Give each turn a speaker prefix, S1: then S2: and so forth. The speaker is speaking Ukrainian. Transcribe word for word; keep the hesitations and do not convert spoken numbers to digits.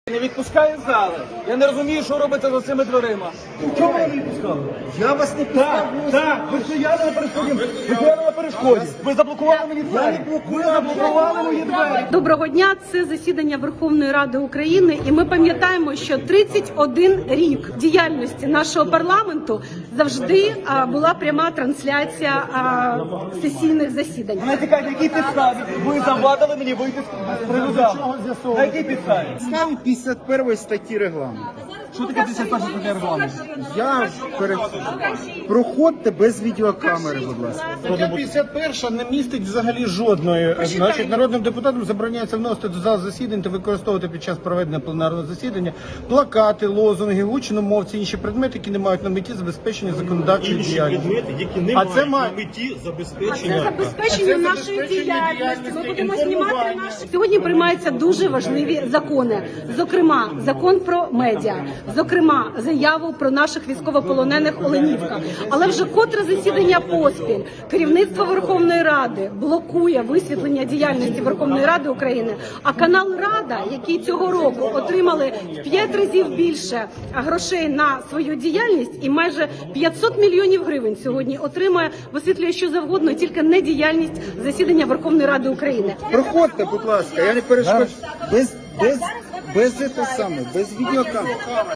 S1: Не відпускає з зали. Я не розумію, що робиться за цими дверима. Чому ви не відпускали?
S2: Я вас не пускав.
S1: Так, так, ви стояли на перешкоді. Ви стояли на перешкоді. Ви заблокували мені двері. Ви заблокували мої двері.
S3: Доброго дня. Це засідання Верховної Ради України, і ми пам'ятаємо, що тридцять один рік діяльності нашого парламенту завжди а, була пряма трансляція а, сесійних засідань.
S1: На якій якій підставі ви завадили мені вийти з приводу залу? На якій підставі?
S2: Ставлю п'ятдесят першої статті регламенту.
S1: Що таке п'ятдесят перша стаття регламенту?
S2: Я перед... Проходьте без відеокамери, будь ласка.
S4: Стаття п'ятдесят перша не містить взагалі жодної. Значить, народним депутатам забороняється вносити до зали засідань та використовувати під час проведення пленарного засідання плакати, лозунги, гучномовці, інші предмети, які не мають на меті забезпечення законодавчої діяльності.
S5: Предмети, які не
S4: А
S5: мають
S4: це має-
S5: на меті
S3: Це
S5: забезпечення.
S3: забезпечення
S4: Це
S3: нашої
S4: забезпечення
S3: діяльності. Ми
S4: діяльності,
S3: будемо знімати
S4: інформування.
S3: наші сьогодні. Приймаються дуже важливі закони. Зокрема, закон про медіа, зокрема, заяву про наших військовополонених Оленівка. Але вже котре засідання поспіль керівництво Верховної Ради блокує висвітлення діяльності Верховної Ради України. А канал Рада, який цього року отримали в п'ять разів більше грошей на свою діяльність, і майже п'ятсот мільйонів гривень сьогодні отримує, висвітлює що завгодно, тільки не діяльність засідання Верховної Ради України.
S2: Проходьте, будь ласка, я не перешкоджу. Без, без, без, це саме, без відеокамери.